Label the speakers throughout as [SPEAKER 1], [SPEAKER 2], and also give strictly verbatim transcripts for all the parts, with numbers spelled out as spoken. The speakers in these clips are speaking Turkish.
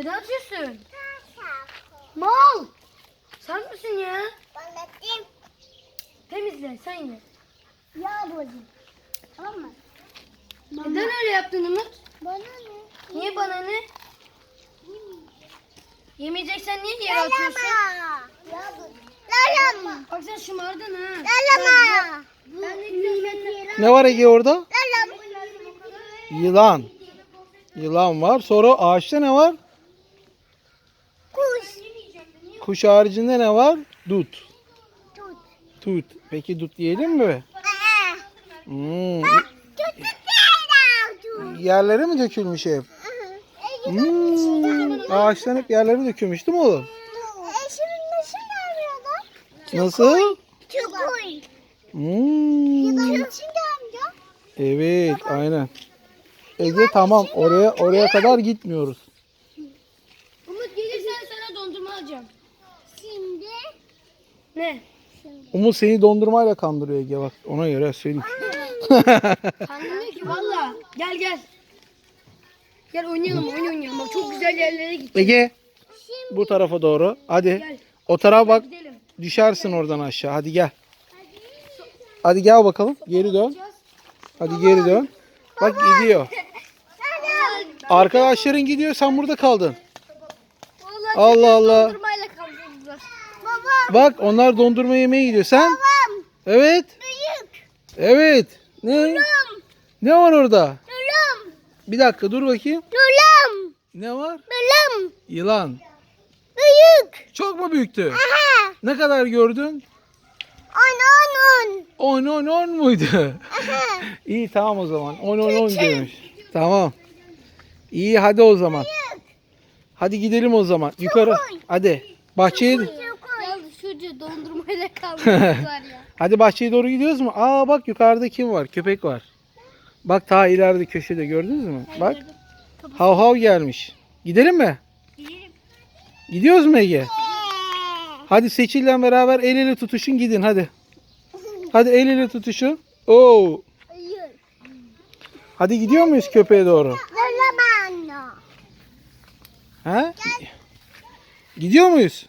[SPEAKER 1] Ne atıyorsun? Mal. Sen misin ya?
[SPEAKER 2] Anlatayım.
[SPEAKER 1] Temizle sen ye.
[SPEAKER 2] Ya bozayım. Tamam mı?
[SPEAKER 1] Neden öyle yaptın Umut?
[SPEAKER 2] Bana ne?
[SPEAKER 1] Niye bana ne? Yemeyeceksen niye yere atıyorsun?
[SPEAKER 2] Ya bozayım. Lalama.
[SPEAKER 1] Bak sen şımardın ha.
[SPEAKER 2] Lalama.
[SPEAKER 1] Ben de gidiyorum.
[SPEAKER 3] Ne var Ege orada?
[SPEAKER 2] Lalama.
[SPEAKER 3] Yılan. Yılan var. Sonra ağaçta ne var?
[SPEAKER 2] Kuş.
[SPEAKER 3] Kuş haricinde ne var? Dut.
[SPEAKER 2] Tut.
[SPEAKER 3] Tut. Peki dut yiyelim mi?
[SPEAKER 2] Aa.
[SPEAKER 3] Hmm.
[SPEAKER 2] Tut tut tut.
[SPEAKER 3] Yerlere mi dökülmüş hep? Hmm. Ağaçtan hep yerlere dökülmüş değil mi oğlum?
[SPEAKER 2] Eşimin nasıl arıyorlar?
[SPEAKER 3] Nasıl?
[SPEAKER 2] Çukur.
[SPEAKER 3] Hmm.
[SPEAKER 2] Yılan için amca.
[SPEAKER 3] Evet, aynen. Ege tamam. Oraya oraya kadar gitmiyoruz.
[SPEAKER 1] Umut gelirsen sana dondurma alacağım.
[SPEAKER 2] Şimdi.
[SPEAKER 1] Ne?
[SPEAKER 3] Umut seni dondurmayla kandırıyor Ege bak. Ona göre söyleyeyim.
[SPEAKER 1] Kandırmıyor ki valla. Gel gel. Gel oynayalım oyun oynayalım. Bak çok güzel yerlere gittik.
[SPEAKER 3] Ege bu tarafa doğru. Hadi.
[SPEAKER 1] Gel.
[SPEAKER 3] O tarafa bak.
[SPEAKER 1] Gidelim.
[SPEAKER 3] Düşersin oradan aşağı. Hadi gel. Hadi gel bakalım. Geri dön. Hadi geri dön. Bak gidiyor. Arkadaşların gidiyor. Sen burada kaldın.
[SPEAKER 1] Vallahi
[SPEAKER 3] Allah Allah.
[SPEAKER 1] dondurmayla kaldırdılar.
[SPEAKER 2] Babam.
[SPEAKER 3] Bak onlar dondurma yemeye gidiyor. Sen?
[SPEAKER 2] Babam.
[SPEAKER 3] Evet.
[SPEAKER 2] Büyük.
[SPEAKER 3] Evet. Ne?
[SPEAKER 2] Lulum.
[SPEAKER 3] Ne var orada?
[SPEAKER 2] Lulum.
[SPEAKER 3] Bir dakika dur bakayım.
[SPEAKER 2] Lulum.
[SPEAKER 3] Ne var?
[SPEAKER 2] Lulum.
[SPEAKER 3] Yılan.
[SPEAKER 2] Büyük.
[SPEAKER 3] Çok mu büyüktü?
[SPEAKER 2] Aha.
[SPEAKER 3] Ne kadar gördün?
[SPEAKER 2] On on on.
[SPEAKER 3] on on on muydu?
[SPEAKER 2] Aha.
[SPEAKER 3] İyi tamam o zaman. on on on diyormuş. Tamam. İyi hadi o zaman. Hadi gidelim o zaman. Yukarı. Hadi. Bahçeye.
[SPEAKER 2] Çukur.
[SPEAKER 1] Ya şurada dondurmayla kaldırdılar ya.
[SPEAKER 3] Hadi bahçeye doğru gidiyoruz mu? Aa bak yukarıda kim var? Köpek var. Bak ta ileride köşede gördünüz mü? Bak. Hav hav gelmiş. Gidelim mi? Gidiyoruz mu Ege? Hadi Seçil'le beraber el ele tutuşun gidin hadi. Hadi el ele tutuşun. Oo.
[SPEAKER 2] Hayır.
[SPEAKER 3] Hadi gidiyor muyuz köpeğe doğru?
[SPEAKER 2] Lulum anne.
[SPEAKER 3] Ha? Gidiyor muyuz?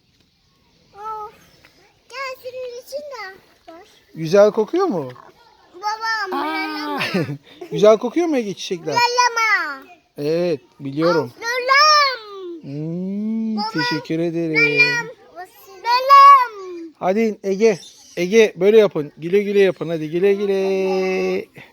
[SPEAKER 2] Of. Gel senin için de var.
[SPEAKER 3] Güzel kokuyor mu?
[SPEAKER 2] Babam. Lalama.
[SPEAKER 3] Güzel kokuyor mu Ege çiçekler?
[SPEAKER 2] Lalama.
[SPEAKER 3] Evet biliyorum.
[SPEAKER 2] Lulum.
[SPEAKER 3] Hmm, teşekkür ederim.
[SPEAKER 2] Lulum.
[SPEAKER 3] Hadi Ege. Ege böyle yapın. Güle güle yapın hadi güle güle.